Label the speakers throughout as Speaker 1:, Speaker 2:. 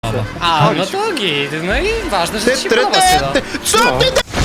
Speaker 1: podoba.
Speaker 2: A, no to git. No i ważne, że ci się podoba, Sylo.
Speaker 3: Co ty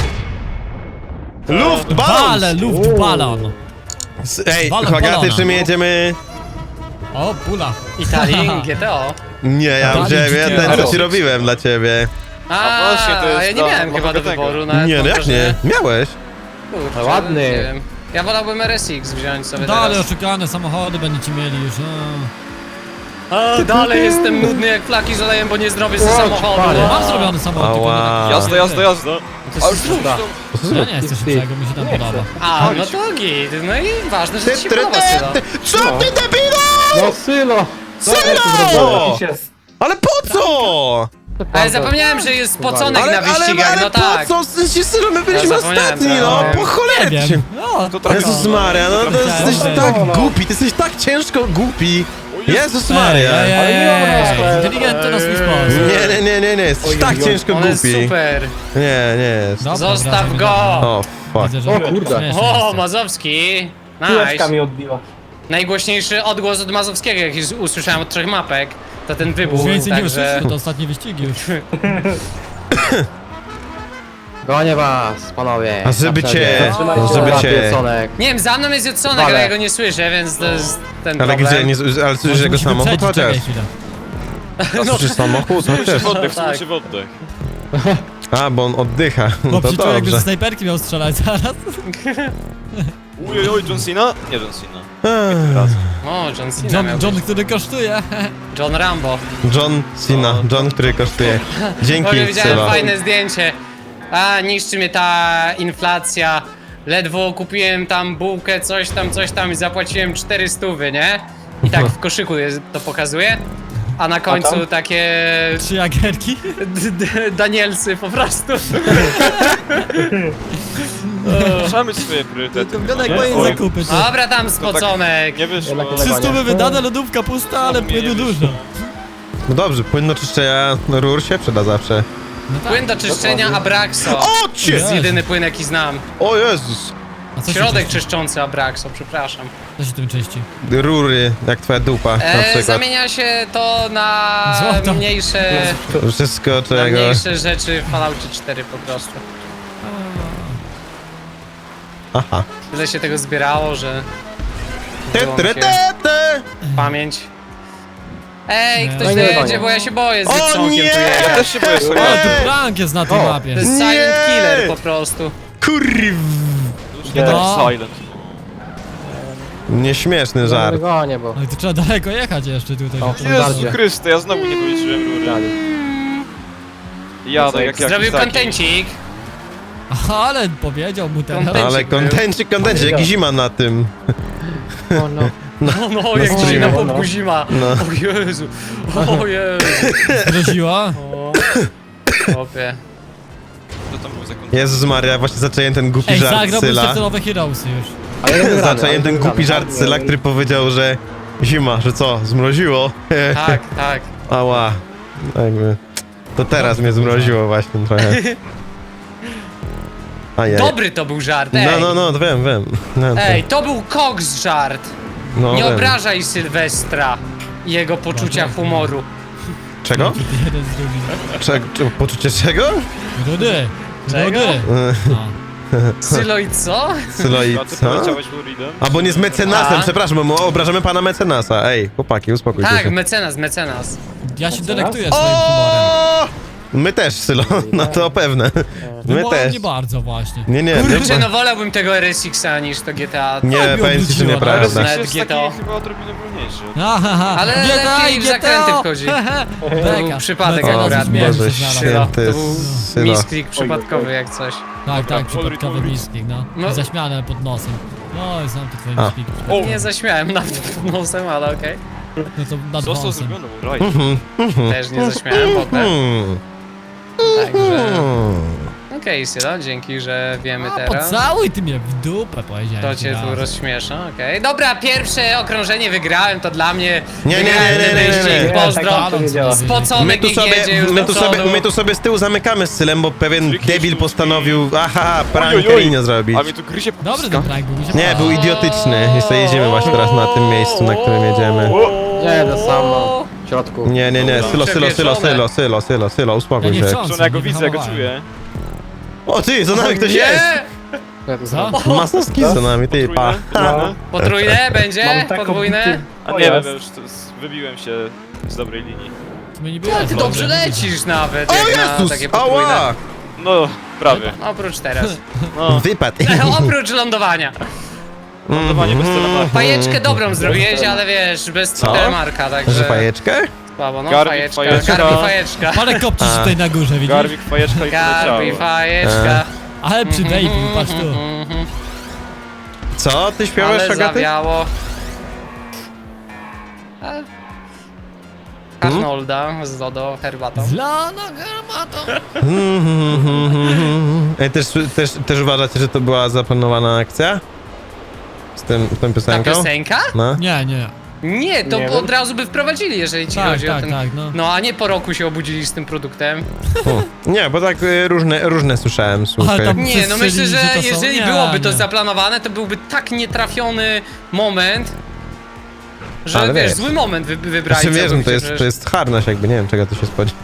Speaker 3: Luftballon!
Speaker 1: Ale luftballon.
Speaker 3: Ej,
Speaker 1: Balon,
Speaker 3: Hogaty,
Speaker 1: balona.
Speaker 3: czy my jedziemy?
Speaker 1: O, pula.
Speaker 2: Italii, GTO.
Speaker 3: Nie, ja
Speaker 1: Dalej
Speaker 3: wziąłem, ja
Speaker 1: GTA.
Speaker 3: ten co ci robiłem dla ciebie.
Speaker 2: A,
Speaker 4: właśnie, to jest
Speaker 2: ja nie
Speaker 4: dla
Speaker 2: miałem chyba do
Speaker 4: Hogatego.
Speaker 2: wyboru. Nawet
Speaker 3: Nie,
Speaker 2: mam
Speaker 3: no jak
Speaker 2: wrażenie-
Speaker 3: nie? Miałeś.
Speaker 2: Kurczę,
Speaker 5: Ładny.
Speaker 2: nie wiem. Ja wolałbym RSX wziąć sobie
Speaker 1: Dalej
Speaker 2: teraz.
Speaker 1: oszukane samochody będziecie mieli już.
Speaker 2: A, dalej jestem nudny jak flaki z olejem, bo nie zrobię ze samochodu.
Speaker 5: panie.
Speaker 1: Ja mam zrobiony samochód, tylko nie
Speaker 3: Ała.
Speaker 1: taki-
Speaker 4: Jazda.
Speaker 2: To jest
Speaker 1: Ja nie chcę szybszego, mi się tam podoba.
Speaker 2: A, no to git. No i ważne, że ci się podoba, Sylo.
Speaker 3: Co ty debilu?
Speaker 5: No Sylo!
Speaker 3: Sylo! Ale po co?
Speaker 2: Ale zapomniałem, że jest spoconek na wyścigach,
Speaker 3: ale
Speaker 2: no tak.
Speaker 3: po co? Sylo, my byliśmy
Speaker 2: Ja zapomniałem,
Speaker 3: ostatni, no,
Speaker 2: tak.
Speaker 3: po
Speaker 1: Nie
Speaker 3: cholercie.
Speaker 1: wiem. No,
Speaker 4: To trochę...
Speaker 3: Jezus Maria, no to jesteś
Speaker 1: Dobra.
Speaker 3: tak głupi, ty jesteś tak ciężko głupi. Jezus Maria.
Speaker 1: Inteligentny na swój sposób.
Speaker 3: Nie, jesteś tak ciężko
Speaker 2: On jest
Speaker 3: głupi.
Speaker 2: super.
Speaker 3: Nie jest.
Speaker 1: Dobra,
Speaker 2: Zostaw
Speaker 1: wracamy
Speaker 2: go.
Speaker 1: do-
Speaker 3: O, fuck.
Speaker 1: Widzę, że
Speaker 5: O kurde.
Speaker 1: śmiesznie
Speaker 2: O,
Speaker 1: jest.
Speaker 2: Mazowski.
Speaker 6: Piłeczka
Speaker 2: Nice.
Speaker 6: mi odbiła.
Speaker 2: Najgłośniejszy odgłos od Mazowskiego, jaki usłyszałem od 3 mapek, to ten wybuch,
Speaker 1: Już więcej nie
Speaker 2: także...
Speaker 1: usłyszysz, to ostatnie wyścigi już.
Speaker 5: Gonię was, panowie.
Speaker 3: A żeby
Speaker 5: Na
Speaker 3: cię,
Speaker 5: przodzie.
Speaker 6: Zatrzymajcie.
Speaker 3: no żeby cię.
Speaker 5: Pieconek.
Speaker 2: Nie wiem, za mną jest Judsonek, ale
Speaker 5: Wale.
Speaker 2: ja go nie słyszę, więc to jest ten
Speaker 3: Ale
Speaker 2: problem.
Speaker 3: gdzie, nie, ale słyszysz jego
Speaker 1: Musi
Speaker 3: samochód
Speaker 1: wyprzedzić,
Speaker 3: chociaż?
Speaker 1: czekaj chwilę.
Speaker 3: Słyszysz samochód chociaż?
Speaker 4: Oddech,
Speaker 2: Tak.
Speaker 4: w oddech.
Speaker 3: A, bo on oddycha,
Speaker 1: Bo
Speaker 3: no to
Speaker 1: przeczuł, jakby
Speaker 3: dobrze.
Speaker 1: ze snajperki miał strzelać zaraz.
Speaker 4: Ujojoj, John Cena? Nie John Cena.
Speaker 2: O, John Cena miał
Speaker 1: John,
Speaker 2: być.
Speaker 1: który kosztuje.
Speaker 2: John Rambo.
Speaker 3: John Cena, John, który kosztuje. Dzięki,
Speaker 2: Może widziałem
Speaker 3: Sylo.
Speaker 2: fajne zdjęcie. A, niszczy mnie ta inflacja. Ledwo kupiłem tam bułkę, coś tam i zapłaciłem 400, nie? I tak w koszyku to pokazuje. A na końcu takie
Speaker 1: Trzy jagerki.
Speaker 2: Danielsy po prostu.
Speaker 4: Trzeba mieć swoje priorytety.
Speaker 1: Wygląda jak
Speaker 4: nie?
Speaker 1: moje
Speaker 4: Oj,
Speaker 1: zakupy.
Speaker 2: Dobra, tam spoconek.
Speaker 4: Nie wyszło.
Speaker 5: Jednak
Speaker 1: 300 wydane, lodówka pusta, ale
Speaker 4: Znowu mnie
Speaker 1: płynu
Speaker 4: nie
Speaker 1: dużo.
Speaker 3: No dobrze, płyn do czyszczenia rur się przyda zawsze.
Speaker 1: No tak.
Speaker 2: Płyn do czyszczenia Abraxo.
Speaker 3: O,
Speaker 2: To
Speaker 3: cię!
Speaker 2: jest jedyny płyn jaki znam.
Speaker 3: O Jezus!
Speaker 1: A co się
Speaker 2: Środek
Speaker 1: czyści?
Speaker 2: czyszczący Abraxo, przepraszam.
Speaker 1: Co się tym czyści?
Speaker 3: Rury, jak twoja dupa, na przykład.
Speaker 2: Zamienia się to na
Speaker 1: Złoto.
Speaker 2: mniejsze,
Speaker 3: Wszystko
Speaker 2: na
Speaker 3: czego...
Speaker 2: mniejsze rzeczy w Falloutie 4 po prostu.
Speaker 3: Aha.
Speaker 2: Tyle się tego zbierało, że
Speaker 3: Te,
Speaker 2: było mi
Speaker 3: te,
Speaker 2: się
Speaker 3: te, te.
Speaker 2: pamięć. Ej,
Speaker 1: Nie.
Speaker 2: ktoś
Speaker 5: No nie
Speaker 2: dojedzie,
Speaker 5: gonię.
Speaker 2: bo ja się boję z
Speaker 3: O
Speaker 2: Jetsonkiem
Speaker 3: nie!
Speaker 2: tu
Speaker 4: Ja
Speaker 2: jechać.
Speaker 4: też się boję
Speaker 1: O,
Speaker 4: sobie.
Speaker 1: tu prank jest na tej
Speaker 5: O.
Speaker 1: mapie.
Speaker 2: To jest
Speaker 3: Nie!
Speaker 2: silent killer po prostu.
Speaker 3: Kurw!
Speaker 4: Nie tak
Speaker 1: No.
Speaker 4: silent.
Speaker 3: Nieśmieszny żart.
Speaker 5: Gonię, bo...
Speaker 1: No i to trzeba daleko jechać jeszcze tutaj.
Speaker 5: O,
Speaker 1: żeby-
Speaker 5: Jezu.
Speaker 4: Jezu Chryste, ja znowu nie policzyłem rury.
Speaker 5: Dali.
Speaker 4: Jadę jak
Speaker 2: Zrobił
Speaker 4: jakiś taki.
Speaker 2: kontencik.
Speaker 1: Aha, ale powiedział mu teraz.
Speaker 2: Kontencik.
Speaker 3: Ale kontencik, jaki zima na tym.
Speaker 5: O no.
Speaker 2: No, jak dzisiaj na popku zima.
Speaker 3: No.
Speaker 2: O Jezu, o Jezu.
Speaker 1: Groziła?
Speaker 2: O, chłopie.
Speaker 4: Co tam był za kontencik?
Speaker 3: Jezus Maria, właśnie zacząłem ten głupi
Speaker 1: Ej,
Speaker 3: żart
Speaker 1: zagrałbym
Speaker 3: Syla.
Speaker 1: te nowe Heroesy już.
Speaker 5: Ale wygrany,
Speaker 3: Zacząłem
Speaker 5: ale
Speaker 3: ten głupi
Speaker 5: wygrany.
Speaker 3: żart Syla, który powiedział, że zima, że co, zmroziło?
Speaker 2: Tak, tak.
Speaker 3: Ała. Jakby. To teraz mnie zmroziło właśnie trochę. Ajaj.
Speaker 2: Dobry to był żart, ej.
Speaker 3: No, to wiem. No, to-
Speaker 2: Ej, to był koks żart.
Speaker 3: no,
Speaker 2: Nie
Speaker 3: wiem.
Speaker 2: obrażaj Sylwestra i jego poczucia humoru.
Speaker 3: Czego?
Speaker 1: Jeden z drugim.
Speaker 3: Poczucie czego?
Speaker 1: Rudy!
Speaker 2: Czego?
Speaker 1: Rudy! No.
Speaker 2: Sylo i co?
Speaker 3: Sylo i
Speaker 4: A ty
Speaker 3: co?
Speaker 4: poleciałeś Floridem?
Speaker 3: Albo nie z mecenasem,
Speaker 2: A?
Speaker 3: przepraszam, bo obrażamy pana mecenasa. Ej, chłopaki, uspokójcie
Speaker 2: Tak,
Speaker 3: się.
Speaker 2: mecenas.
Speaker 1: Ja się delektuję swoim humorem.
Speaker 3: O! My też, Sylo, no to pewne. My
Speaker 1: Humorem
Speaker 3: też.
Speaker 1: nie bardzo właśnie.
Speaker 3: Nie,
Speaker 2: Kurczę, no wolałbym tego RSX-a niż to GTA.
Speaker 3: Nie,
Speaker 1: Tak mi
Speaker 3: powiem ci, że
Speaker 1: obróciło,
Speaker 3: nieprawda.
Speaker 2: no.
Speaker 4: RSX
Speaker 2: Nawet
Speaker 4: jest
Speaker 2: GTO.
Speaker 4: taki chyba odrobinę wolniejszy.
Speaker 1: Ahaha.
Speaker 2: Ale
Speaker 1: GTA
Speaker 2: lepiej
Speaker 1: i
Speaker 2: w zakręty
Speaker 1: GTO.
Speaker 2: wchodzi.
Speaker 1: Beka.
Speaker 2: był przypadek
Speaker 1: Beka,
Speaker 2: akurat.
Speaker 1: nas śmieje,
Speaker 3: Boże
Speaker 1: że znalazł.
Speaker 3: święty,
Speaker 2: To był
Speaker 3: Sylo.
Speaker 2: misklik przypadkowy jak coś.
Speaker 1: Tak,
Speaker 4: Dobra,
Speaker 1: przypadkowy
Speaker 4: Florid.
Speaker 1: misklik, no.
Speaker 2: No.
Speaker 1: Zaśmiane pod nosem. No, znam to twoje
Speaker 3: A.
Speaker 1: miskliki.
Speaker 4: O!
Speaker 2: Nie zaśmiałem nawet pod nosem, ale okej.
Speaker 1: No to nad
Speaker 4: Został
Speaker 1: wąsem.
Speaker 4: zrobiony raj.
Speaker 2: Też nie zaśmiałem potem.
Speaker 3: Hmm.
Speaker 2: Także...
Speaker 3: Hmm.
Speaker 2: Okej, Sylo, dzięki, że wiemy
Speaker 1: A,
Speaker 2: teraz.
Speaker 1: pocałuj ty mnie w dupę, powiedziałem.
Speaker 2: To
Speaker 1: ci
Speaker 2: cię
Speaker 1: raz.
Speaker 2: tu rozśmiesza, okej. Dobra, pierwsze okrążenie wygrałem, to dla mnie.
Speaker 3: Nie,
Speaker 2: wygrałem ten wyścig,
Speaker 6: Nie,
Speaker 2: pozdro.
Speaker 6: tak to nie działa.
Speaker 2: Spoconek niech jedzie już do przodu.
Speaker 3: My tu sobie z tyłu zamykamy z Sylem, bo pewien
Speaker 4: Jakieś
Speaker 3: debil
Speaker 4: sztuczki.
Speaker 3: postanowił, aha,
Speaker 4: Oj,
Speaker 3: prank
Speaker 4: oj, oj.
Speaker 3: Elinie zrobić.
Speaker 4: A mnie tu gryzie po
Speaker 1: Dobry ten prank był, mi się
Speaker 3: Nie,
Speaker 1: podobał.
Speaker 3: był idiotyczny. Jeszcze jedziemy właśnie teraz na tym miejscu, na którym jedziemy.
Speaker 5: Nie, to samo. środku.
Speaker 3: Nie, Sylo, uspokój
Speaker 1: Ja nie
Speaker 3: się.
Speaker 1: wtrącam,
Speaker 4: Czemu ja go
Speaker 1: nie
Speaker 4: widzę, ja go
Speaker 1: wyhamowałem.
Speaker 4: czuję.
Speaker 3: O ty, za nami ktoś
Speaker 2: Nie!
Speaker 3: jest!
Speaker 5: Ja tu
Speaker 1: Co?
Speaker 5: zrobię.
Speaker 3: Masnowski za nami, ty, pa.
Speaker 4: Potrójne?
Speaker 2: Potrójne będzie?
Speaker 6: Mam taką
Speaker 2: Podwójne?
Speaker 6: bity-
Speaker 4: A nie wiem, ja już wybiłem się z dobrej linii.
Speaker 1: To mnie nie
Speaker 2: Ale
Speaker 1: było
Speaker 2: ty dobrze lecisz nawet,
Speaker 3: O
Speaker 2: jak na
Speaker 3: Jezus,
Speaker 2: takie potrójne.
Speaker 3: ała!
Speaker 4: No, prawie.
Speaker 2: Oprócz teraz.
Speaker 4: No,
Speaker 3: Wypadł.
Speaker 2: Oprócz lądowania.
Speaker 4: lądowanie bez telemarka.
Speaker 2: Fajeczkę dobrą zrobiłeś, ale wiesz, bez
Speaker 3: Co?
Speaker 2: telemarka,
Speaker 3: Że
Speaker 2: także...
Speaker 3: fajeczkę?
Speaker 2: Słabo, no
Speaker 4: Garbik,
Speaker 2: fajeczka,
Speaker 4: fajeczka.
Speaker 2: Garbi fajeczka.
Speaker 1: Ale kopcisz
Speaker 3: A.
Speaker 1: tutaj na górze, widzisz?
Speaker 4: Garwik, fajeczka i
Speaker 2: Garbi
Speaker 4: poleciało.
Speaker 2: fajeczka.
Speaker 1: Ale przy baby, patrz tu.
Speaker 3: Co? Ty śpiewasz,
Speaker 2: Ale
Speaker 3: Agaty?
Speaker 2: zawiało. Arnolda z lodo herbatą.
Speaker 1: Zlana herbatą.
Speaker 3: Ej, też uważacie, że to była zaplanowana akcja? Z tą
Speaker 2: Ta
Speaker 3: piosenką?
Speaker 2: piosenka?
Speaker 3: No.
Speaker 1: Nie, nie.
Speaker 2: Nie, to
Speaker 6: Nie
Speaker 2: od
Speaker 6: wiem.
Speaker 2: razu by wprowadzili, jeżeli ci
Speaker 1: Tak,
Speaker 2: chodzi o
Speaker 1: tak,
Speaker 2: ten...
Speaker 1: tak, no.
Speaker 2: No, a nie po roku się obudzili z tym produktem.
Speaker 3: Nie, bo tak różne słyszałem, słuchaj.
Speaker 1: tam-
Speaker 2: Nie, no myślę,
Speaker 1: Przestrzelili,
Speaker 2: że
Speaker 1: że to są-
Speaker 2: jeżeli
Speaker 1: nie,
Speaker 2: byłoby to
Speaker 1: nie.
Speaker 2: zaplanowane, to byłby tak nietrafiony moment, że
Speaker 3: Ale
Speaker 2: wiesz,
Speaker 3: wiesz.
Speaker 2: zły moment wybrali.
Speaker 3: Znaczy, wiesz, no
Speaker 2: całkowicie,
Speaker 3: to jest,
Speaker 2: przecież.
Speaker 3: to jest harnaś, jakby nie wiem, czego tu się spodziewać.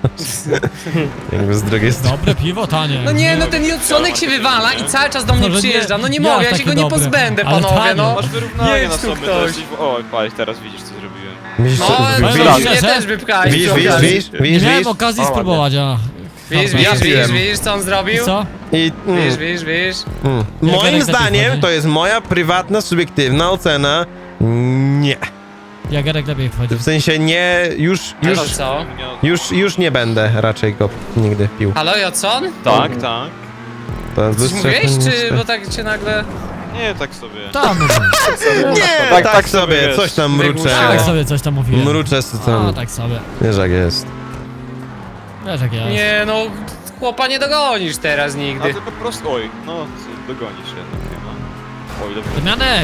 Speaker 3: Jakby z drugiej strony.
Speaker 1: Dobre piwo, tanie.
Speaker 2: No nie, no ten Jodsonek się wywala i cały czas do mnie
Speaker 1: No, że nie-
Speaker 2: przyjeżdża. No nie
Speaker 1: jak
Speaker 2: mogę, ja się
Speaker 1: takie
Speaker 2: go nie
Speaker 1: dobre?
Speaker 2: pozbędę,
Speaker 1: Ale
Speaker 2: panowie,
Speaker 1: tanio.
Speaker 2: no.
Speaker 4: Masz wyrównanie
Speaker 2: Jedź
Speaker 4: na
Speaker 2: tu
Speaker 4: sobie.
Speaker 2: ktoś.
Speaker 4: O, patrz, teraz widzisz, co zrobiłem.
Speaker 3: Widzisz,
Speaker 2: No,
Speaker 3: co-
Speaker 2: ale
Speaker 1: widzisz,
Speaker 2: widzisz,
Speaker 1: widzisz,
Speaker 2: mnie
Speaker 1: że-
Speaker 2: też wypchali.
Speaker 3: widzisz,
Speaker 2: przy okazji.
Speaker 1: Nie miałem
Speaker 3: widzisz?
Speaker 1: okazji
Speaker 5: O,
Speaker 1: spróbować, a...
Speaker 2: Widzisz,
Speaker 1: Dobra.
Speaker 2: widzisz, co on zrobił?
Speaker 1: Co?
Speaker 3: I,
Speaker 2: Widzisz.
Speaker 3: Moim
Speaker 1: Jarek
Speaker 3: zdaniem
Speaker 1: lepiej
Speaker 3: to jest moja prywatna, subiektywna ocena. Nie.
Speaker 1: Jagerek lepiej wchodzi.
Speaker 3: W sensie nie,
Speaker 2: Ale co?
Speaker 3: już nie będę raczej go nigdy pił.
Speaker 2: Halo, Jodson?
Speaker 4: Tak, tak.
Speaker 3: To
Speaker 2: Coś mówiłeś, czy... bo tak cię nagle...
Speaker 4: Nie, tak sobie.
Speaker 1: Tam,
Speaker 3: Nie, tak sobie,
Speaker 4: wiesz.
Speaker 3: coś tam
Speaker 1: tak
Speaker 3: mruczę.
Speaker 1: sobie coś tam mówiłem.
Speaker 3: Mruczę z
Speaker 1: A,
Speaker 3: tam.
Speaker 1: tak sobie.
Speaker 3: Wiesz jak jest.
Speaker 1: Wiesz jak jest.
Speaker 2: Nie, no, chłopa nie dogonisz teraz
Speaker 4: A
Speaker 2: nigdy.
Speaker 4: to po prostu, oj, no, dogonisz jednak chyba. Oj, dobra.
Speaker 1: Damianek!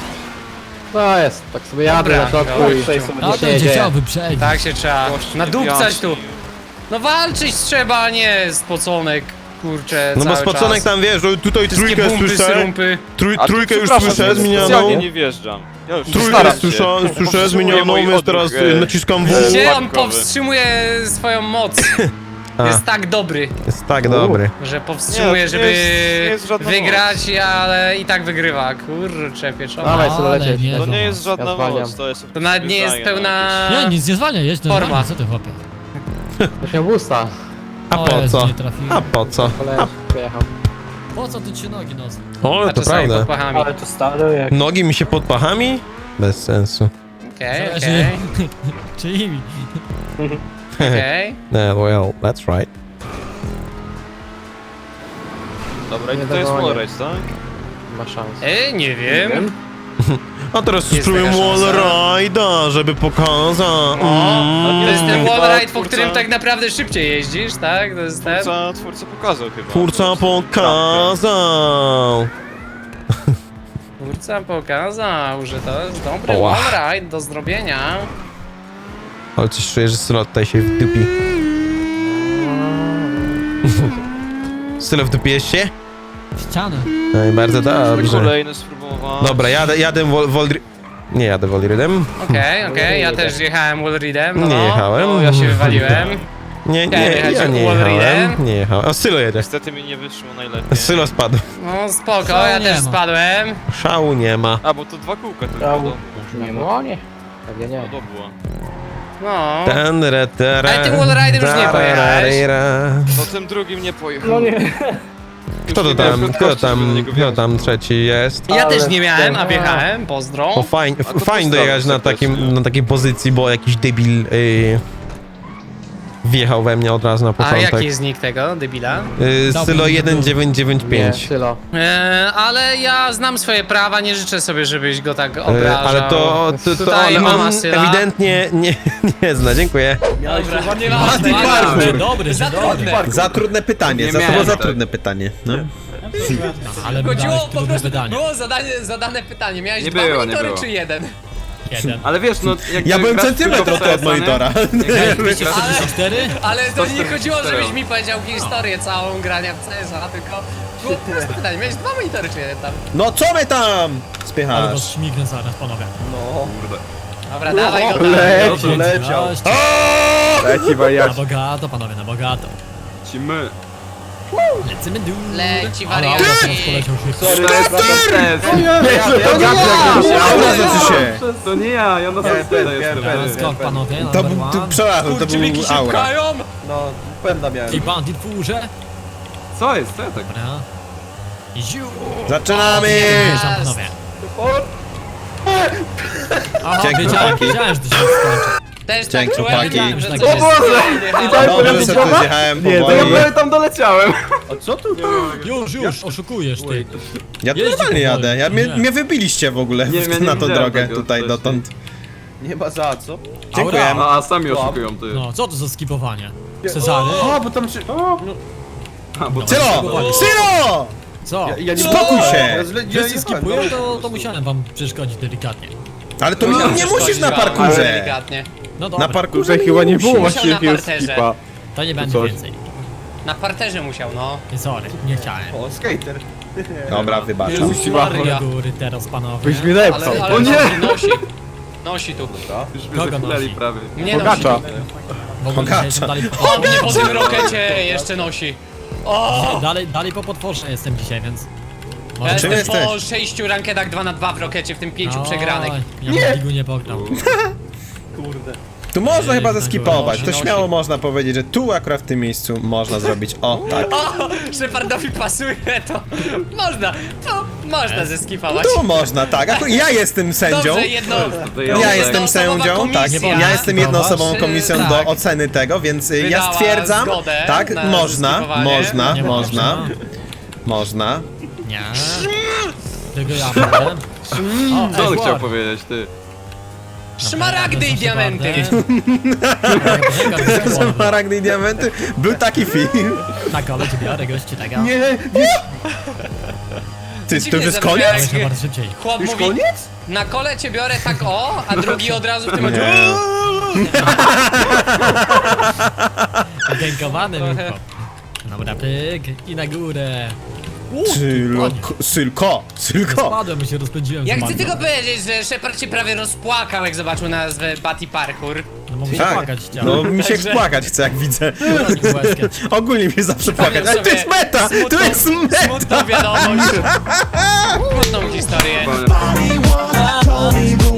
Speaker 5: To jest, tak sobie jadę
Speaker 2: Dobra,
Speaker 5: na środku
Speaker 2: dobra.
Speaker 5: i
Speaker 6: Tutaj
Speaker 5: nic
Speaker 6: sobie
Speaker 1: A
Speaker 5: się
Speaker 1: to
Speaker 5: nie
Speaker 1: będzie
Speaker 5: dzieje.
Speaker 1: chciał wyprzedzić.
Speaker 2: Tak się trzeba
Speaker 4: Gość
Speaker 2: nadupcać
Speaker 4: nie
Speaker 2: tu.
Speaker 4: wyjaśnił.
Speaker 2: No walczyć trzeba, a nie spoconek, kurczę,
Speaker 3: No bo
Speaker 2: cały
Speaker 3: spoconek
Speaker 2: czas.
Speaker 3: tam wiesz, że tutaj
Speaker 2: Wszystkie
Speaker 3: trójkę
Speaker 2: bumpy,
Speaker 3: słyszę.
Speaker 2: syrumpy.
Speaker 4: A
Speaker 3: Trójkę już
Speaker 4: przepraszam,
Speaker 3: słyszę
Speaker 4: ja
Speaker 3: zmienioną.
Speaker 4: specjalnie nie wjeżdżam. Ja już
Speaker 3: Trójkę
Speaker 4: staram się.
Speaker 3: słyszę
Speaker 4: Powstrzymuję
Speaker 3: zmienioną,
Speaker 4: mój
Speaker 3: więc
Speaker 4: odruch,
Speaker 3: teraz naciskam W.
Speaker 2: Gdzie on
Speaker 4: łapkowy.
Speaker 2: powstrzymuje swoją moc?
Speaker 3: A.
Speaker 2: Jest tak dobry,
Speaker 3: Jest tak dobry.
Speaker 2: że powstrzymuje,
Speaker 4: Nie, to nie
Speaker 2: żeby
Speaker 4: jest- nie jest żadna
Speaker 2: wygrać, ale i tak wygrywa. Kurczę, pieczona.
Speaker 5: Dawaj, Sylo,
Speaker 1: Ale
Speaker 5: lecieć.
Speaker 1: nie.
Speaker 4: To nie jest
Speaker 5: Ja
Speaker 4: żadna
Speaker 5: zwalniam.
Speaker 4: moc, to jest...
Speaker 2: To nawet nie jest
Speaker 4: wyznanie
Speaker 2: pełna...
Speaker 1: Nie, nic nie zwalnia, jedź
Speaker 2: Forma.
Speaker 1: normalnie, co ty chłopie?
Speaker 5: To się busta.
Speaker 3: A
Speaker 1: O
Speaker 3: po
Speaker 1: Jezu,
Speaker 3: co?
Speaker 1: nie trafiłem.
Speaker 3: A po co?
Speaker 5: Koleś przyjechał.
Speaker 1: Po co tu ci nogi nos?
Speaker 3: O,
Speaker 2: A
Speaker 3: to
Speaker 2: czasami pod
Speaker 3: prawda.
Speaker 2: pachami.
Speaker 6: Ale to stale jak...
Speaker 3: Nogi mi się pod pachami? Bez sensu.
Speaker 2: Okej,
Speaker 1: Zależy
Speaker 2: okej,
Speaker 1: czyimi.
Speaker 2: okej.
Speaker 3: Well, that's right.
Speaker 4: Dobra, i
Speaker 5: Nie
Speaker 4: to jest
Speaker 5: dogonię.
Speaker 4: wallrace, tak?
Speaker 5: Ma szansę.
Speaker 2: Nie wiem.
Speaker 3: A teraz
Speaker 2: Jest
Speaker 3: spróbuję
Speaker 2: taka szansa.
Speaker 3: wallride'a, żeby pokazać.
Speaker 2: To jest ten
Speaker 4: Chyba
Speaker 2: wallride, po
Speaker 4: twórca-
Speaker 2: którym tak naprawdę szybciej jeździsz, tak? To jest ten?
Speaker 4: Twórca pokazał chyba.
Speaker 3: Twórca
Speaker 4: Po prostu
Speaker 3: pokazał.
Speaker 2: Twórca pokazał, że to jest dobry
Speaker 3: Oła.
Speaker 2: wallride do zrobienia.
Speaker 3: Ale coś czuję, że Sylo tutaj się wdupi. Sylo wdupiłeś się?
Speaker 1: Ścianę.
Speaker 3: No i bardzo
Speaker 4: krawkę.
Speaker 3: dobrze.
Speaker 4: Kolejny spróbować.
Speaker 3: Dobra, jadę Nie jadę wallridem.
Speaker 2: Okej, ja też jechałem wallride'em. No.
Speaker 3: Nie jechałem.
Speaker 2: No, ja się wywaliłem.
Speaker 3: Nie,
Speaker 2: Chciałem
Speaker 3: nie,
Speaker 2: jechać
Speaker 3: ja nie
Speaker 2: wallridem.
Speaker 3: jechałem. Nie jechałem. O, Sylo jedzie.
Speaker 4: Niestety mi nie wyszło najlepiej.
Speaker 3: Sylo spadł.
Speaker 2: No spoko,
Speaker 1: Co
Speaker 2: ja
Speaker 1: nie
Speaker 2: też
Speaker 1: ma?
Speaker 2: spadłem.
Speaker 3: Szału nie ma.
Speaker 4: A, bo to 2 kółka tylko
Speaker 6: Brał.
Speaker 4: do
Speaker 6: Nie
Speaker 5: No
Speaker 6: ma.
Speaker 5: nie. Pewnie nie.
Speaker 4: było.
Speaker 2: No.
Speaker 3: Ale
Speaker 2: tym wallride'em już nie pojechałeś.
Speaker 4: No tym drugim nie pojechał.
Speaker 6: No nie.
Speaker 3: Kto to tam, kto tam trzeci jest?
Speaker 2: Ja
Speaker 6: Ale
Speaker 2: też nie miałem, a
Speaker 6: ten-
Speaker 2: wjechałem, pozdro.
Speaker 3: O, fajnie,
Speaker 4: A to
Speaker 3: fajnie
Speaker 4: postawił
Speaker 3: dojechać na
Speaker 4: serdecznie.
Speaker 3: na takiej pozycji, bo jakiś debil wjechał we mnie od razu na
Speaker 2: A
Speaker 3: początek.
Speaker 2: jaki jest nick tego, debila?
Speaker 3: Sylo
Speaker 5: Nie,
Speaker 3: 1995.
Speaker 5: Sylo.
Speaker 2: Ale ja znam swoje prawa, nie życzę sobie, żebyś go tak obrażał.
Speaker 3: Ale to
Speaker 2: Tutaj
Speaker 3: ale
Speaker 2: mama
Speaker 3: on
Speaker 2: Syla.
Speaker 3: ewidentnie nie zna, dziękuję.
Speaker 2: Dobra, nie
Speaker 7: Mati Barwur.
Speaker 1: Dobry,
Speaker 2: Za
Speaker 1: dobry.
Speaker 2: trudne.
Speaker 7: Za trudne pytanie,
Speaker 4: Nie
Speaker 7: to było
Speaker 4: miałem
Speaker 7: za
Speaker 4: tak.
Speaker 7: trudne pytanie. No.
Speaker 1: Ale mi
Speaker 2: Chodziło
Speaker 1: dałeś
Speaker 2: po
Speaker 1: trudne
Speaker 2: prostu,
Speaker 1: wydanie.
Speaker 2: było zadane pytanie. Miałeś
Speaker 8: Nie
Speaker 2: dwa
Speaker 8: było, nie
Speaker 2: monitory
Speaker 8: było.
Speaker 2: czy jeden?
Speaker 1: Jeden.
Speaker 8: Ale wiesz, no jak
Speaker 7: Ja byłem
Speaker 8: grasz
Speaker 7: centymetr
Speaker 8: tylko
Speaker 7: od tego od
Speaker 8: CS-a, nie?
Speaker 7: monitora.
Speaker 8: Jak grasz
Speaker 1: 244?
Speaker 2: Ale to nie chodziło,
Speaker 8: 144.
Speaker 2: żebyś mi powiedział historię całą grania w CS-a, tylko było proste pytanie. Miałeś dwa monitory czy jeden tam?
Speaker 7: No co my tam
Speaker 1: Ale
Speaker 7: spychasz?
Speaker 1: was śmignę zaraz, panowie.
Speaker 2: Dobra, dawaj go tam.
Speaker 1: Leciał.
Speaker 5: Leci
Speaker 1: Na
Speaker 5: wariacie.
Speaker 1: bogato, panowie, na bogato.
Speaker 4: Lecimy.
Speaker 1: Lecimy dół.
Speaker 2: Leci
Speaker 1: Ale
Speaker 2: wariaty.
Speaker 1: teraz poleciał szybko.
Speaker 4: Sorry,
Speaker 3: Znaczy się.
Speaker 4: To nie ja na samym jestem.
Speaker 1: Skok, panowie,
Speaker 3: To
Speaker 1: number
Speaker 3: był,
Speaker 1: one.
Speaker 3: przepraszam, to
Speaker 2: Kurczybiki
Speaker 3: był
Speaker 2: się
Speaker 3: aura.
Speaker 2: pchają.
Speaker 1: I bandit w górze.
Speaker 4: Co jest? Co ja tak?
Speaker 1: Dobra. I ziu.
Speaker 3: Zaczynamy!
Speaker 1: Wjeżdżam, panowie. Aha,
Speaker 3: Dzięki,
Speaker 1: wiedziałem,
Speaker 3: chłopaki.
Speaker 1: wiedziałem, że to się skończy.
Speaker 2: Też tak
Speaker 3: Dzięki,
Speaker 2: czułem,
Speaker 3: chłopaki.
Speaker 2: wiedziałem, że
Speaker 1: O
Speaker 2: coś jest.
Speaker 4: Boże!
Speaker 2: I
Speaker 3: Dobrze, że tu zjechałem
Speaker 5: Nie, to
Speaker 3: powoli.
Speaker 5: ja byłem
Speaker 4: tam doleciałem.
Speaker 1: Już, oszukujesz ty.
Speaker 3: Ja tu
Speaker 1: Jeździ
Speaker 3: normalnie
Speaker 1: powoli.
Speaker 3: jadę.
Speaker 1: Nie.
Speaker 3: Mnie wybiliście w ogóle
Speaker 4: Nie, ja nie
Speaker 3: na tą
Speaker 4: widziałem
Speaker 3: drogę
Speaker 4: tego
Speaker 3: tutaj
Speaker 4: wcześniej.
Speaker 3: dotąd.
Speaker 6: Nie ma za co.
Speaker 3: Dziękuję.
Speaker 4: A sami oszukują ty.
Speaker 1: No, co to za skipowanie? Cezary?
Speaker 6: O, bo tam się... O, no,
Speaker 4: A, bo
Speaker 3: Sylo! Sylo!
Speaker 1: Co?
Speaker 6: ja nie
Speaker 3: Spokój się!
Speaker 6: Ja źle- ja
Speaker 1: Wszyscy
Speaker 6: jechałem,
Speaker 1: skipują,
Speaker 6: no.
Speaker 1: to musiałem wam przeszkodzić delikatnie.
Speaker 3: Ale to nie musisz na
Speaker 2: Ale
Speaker 3: parkurze.
Speaker 2: delikatnie.
Speaker 1: No dobra,
Speaker 3: Na parkurze
Speaker 5: Chyba nie było
Speaker 2: Musiał
Speaker 5: właściwie
Speaker 2: na
Speaker 5: jakiegoś
Speaker 2: parterze.
Speaker 5: skipa.
Speaker 1: to nie będzie
Speaker 5: coś.
Speaker 1: więcej.
Speaker 2: Na parterze musiał, no.
Speaker 1: Nie, sorry, nie chciałem.
Speaker 6: O, skater.
Speaker 3: Dobra, wybaczam.
Speaker 2: Jezus Maria.
Speaker 1: Do góry teraz, panowie.
Speaker 5: Byś mnie lepszał.
Speaker 2: Ale
Speaker 4: O nie!
Speaker 2: nosi. Nosi tu.
Speaker 4: już mnie
Speaker 1: Kogo
Speaker 4: zachleli
Speaker 1: nosi?
Speaker 4: prawie.
Speaker 2: Mnie nosi.
Speaker 5: Bogacza.
Speaker 1: W ogóle
Speaker 3: Bogacza.
Speaker 1: dzisiaj dalej
Speaker 2: O, mnie po tym rokecie jeszcze nosi. O!
Speaker 1: dalej po potworze jestem dzisiaj, więc...
Speaker 2: Ja
Speaker 3: czym
Speaker 2: jestem po
Speaker 3: jesteś?
Speaker 2: 6 rankedach 2 na 2 w rokecie, w tym 5 przegranych.
Speaker 1: Ja w ligu nie pograł.
Speaker 6: Kurde.
Speaker 3: Tu można chyba
Speaker 1: Ej,
Speaker 3: zeskipować. To
Speaker 2: nosi.
Speaker 3: śmiało można powiedzieć, że tu akurat w tym miejscu można zrobić o tak.
Speaker 2: O! Shepardowi pasuje to. Można zeskipować.
Speaker 3: Tu można, tak. Akurat ja jestem sędzią.
Speaker 2: Dobrze, jedno.
Speaker 3: Ja jestem
Speaker 2: jednoosobowa
Speaker 3: sędzią, tak.
Speaker 2: komisja
Speaker 3: Ja jestem jednoosobową
Speaker 2: Czy-
Speaker 3: komisją
Speaker 2: tak.
Speaker 3: do oceny tego, więc ja
Speaker 2: Wydała
Speaker 3: stwierdzam,
Speaker 2: zgodę
Speaker 3: tak,
Speaker 2: na
Speaker 3: można,
Speaker 2: zeskipowanie.
Speaker 3: można,
Speaker 1: Nie
Speaker 3: można, można.
Speaker 1: Nie. Tylko ja będę. O,
Speaker 4: Co on
Speaker 1: ej,
Speaker 4: chciał
Speaker 1: War.
Speaker 4: powiedzieć, ty?
Speaker 2: Szmaragdy i diamenty.
Speaker 3: Maragdy i diamenty. Był taki film.
Speaker 1: Tak, ale cię biorę, gości, tego.
Speaker 6: Nie,
Speaker 3: Ty, to
Speaker 2: Dziwnie
Speaker 3: już jest
Speaker 2: zabrzmiało,
Speaker 3: koniec?
Speaker 2: jak-
Speaker 1: Muszę bardzo szybciej.
Speaker 2: Chłop
Speaker 6: już
Speaker 2: mówi,
Speaker 6: koniec?
Speaker 2: na kole cię biorę tak o, a drugi od razu w tym momencie.
Speaker 1: Dziękowany był chłop. Dobra, pyk i na górę.
Speaker 3: Sylko.
Speaker 1: Spadłem i się rozpędziłem.
Speaker 2: Ja
Speaker 1: z
Speaker 2: chcę
Speaker 1: magną.
Speaker 2: tylko powiedzieć, że Shepard się prawie rozpłakał, jak zobaczył nazwę Batty Parkour.
Speaker 1: No mogę się
Speaker 3: Tak,
Speaker 1: płakać chciałem.
Speaker 3: no mi się
Speaker 2: Także-
Speaker 3: płakać chce jak widzę.
Speaker 1: Bronił łezkę.
Speaker 3: Ogólnie mi się zawsze płakać, ale to jest meta! To jest meta!
Speaker 2: Smutną wiadomość. Smutną historię.
Speaker 4: Powiem-
Speaker 8: Told me